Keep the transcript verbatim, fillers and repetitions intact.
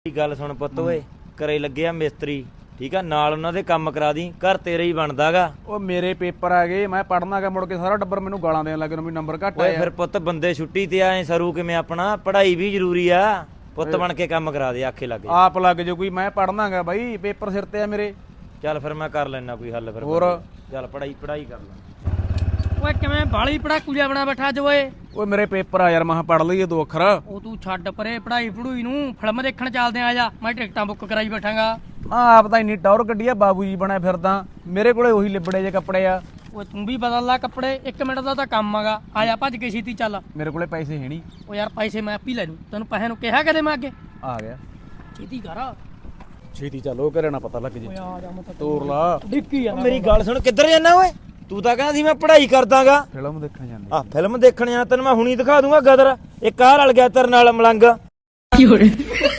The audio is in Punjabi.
ਗੱਲ ਸੁਣ ਪੁੱਤ ਓਏ, ਘਰੇ ਲੱਗਿਆ ਮਿਸਤਰੀ ਠੀਕ ਆ, ਨਾਲ ਉਹਨਾਂ ਦੇ ਕੰਮ ਕਰਾ ਦੀ, ਘਰ ਤੇਰੇ ਹੀ ਬਣਦਾਗਾ। ਉਹ ਮੇਰੇ ਪੇਪਰ ਆ ਗਏ, ਮੈਂ ਪੜ੍ਹਨਾਗਾ, ਮੁੜ ਕੇ ਸਾਰਾ ਟੱਬਰ ਮੈਨੂੰ ਗਾਲਾਂ ਦੇਣ ਲੱਗ ਵੀ ਨੰਬਰ ਘੱਟ ਓਏ ਆਇਆ। ਫਿਰ ਪੁੱਤ ਬੰਦੇ ਛੁੱਟੀ ਤੇ ਆਏ ਸਰੂ ਕਿਵੇਂ, ਆਪਣਾ ਪੜ੍ਹਾਈ ਵੀ ਜ਼ਰੂਰੀ ਆ, ਪੁੱਤ ਬਣ ਕੇ ਕੰਮ ਕਰਾ ਦੇ, ਆਖੇ ਲੱਗ ਆਪ ਲੱਗ ਜੋ ਕੋਈ, ਮੈਂ ਪੜ੍ਹਨਾਗਾ ਬਾਈ, ਪੇਪਰ ਸਿਰ ਤੇ ਆ ਮੇਰੇ। ਚੱਲ ਫਿਰ ਮੈਂ ਕਰ ਲੈਣਾ ਕੋਈ ਹੱਲ ਫਿਰ। ਹੋਰ ਚੱਲ ਪੜ੍ਹਾਈ ਪੜ੍ਹਾਈ ਕਰ ਲੈ। ਓਏ ਕਿਵੇਂ ਬਾਲੀ ਪੜਾਕੂ ਜਿਹਾ ਬਣਾ ਬੈਠਾ ਅੱਜ ਓਏ। ਓਏ ਮੇਰੇ ਪੇਪਰ ਆ ਯਾਰ, ਮੈਂ ਪੜ੍ਹ ਲਈਏ ਦੋ ਅੱਖਰ। ਉਹ ਤੂੰ ਛੱਡ ਪਰੇ ਪੜਾਈ ਪੜੂਈ ਨੂੰ, ਫਿਲਮ ਦੇਖਣ ਚੱਲਦੇ ਆ ਜਾ, ਮੈਂ ਟਿਕਟਾਂ ਬੁੱਕ ਕਰਾਈ ਬੈਠਾਂਗਾ। ਆ ਆਪ ਤਾਂ ਇੰਨੀ ਟੌਰ ਗੱਡੀ ਆ, ਬਾਬੂ ਜੀ ਬਣਿਆ ਫਿਰਦਾ, ਮੇਰੇ ਕੋਲੇ ਉਹੀ ਲਿਬੜੇ ਜੇ ਕੱਪੜੇ ਆ। ਓਏ ਤੂੰ ਵੀ ਬਦਲ ਲੈ ਕੱਪੜੇ, ਇੱਕ ਮਿੰਟ ਦਾ ਤਾਂ ਕੰਮ ਆਗਾ, ਆ ਜਾ ਭੱਜ ਕੇ ਛੇਤੀ ਚੱਲ। ਮੇਰੇ ਕੋਲੇ ਪੈਸੇ ਹੈ ਨਹੀਂ। ਓ ਯਾਰ ਪੈਸੇ ਮੈਂ ਆਪੀ ਲੈ ਲੂੰ, ਤੈਨੂੰ ਪੈਸੇ ਨੂੰ ਕਿਹਾ ਕਦੇ ਮੈਂ ਅੱਗੇ। ਆ ਗਿਆ, ਛੇਤੀ ਕਰ। ਛੇਤੀ ਚੱਲ, ਉਹ ਘਰੇ ਨਾ ਪਤਾ ਲੱਗ ਜੇ। ਓਏ ਆ ਜਾ ਮੈਂ ਤਾਂ ਤੋਰ ਲਾ। ਡਿੱਕੀ ਆ ਮੇਰੀ ਗੱਲ ਸੁਣ, ਕਿੱਧਰ ਜਾਣਾ ਓਏ? ਤੂੰ ਤਾਂ ਕਹਿੰਦਾ ਸੀ ਮੈਂ ਪੜ੍ਹਾਈ ਕਰਦਾਗਾ। ਫਿਲਮ ਦੇਖਣ ਜਾਂਦੇ ਆ ਫਿਲਮ ਦੇਖਣ ਜਾਣਾ, ਤੈਨੂੰ ਮੈਂ ਹੁਣੀ ਦਿਖਾ ਦੂੰਗਾ ਗਦਰ, ਇੱਕ ਆਹ ਰਲ ਗਿਆ ਤੇਰੇ ਨਾਲ ਮਲੰਗ।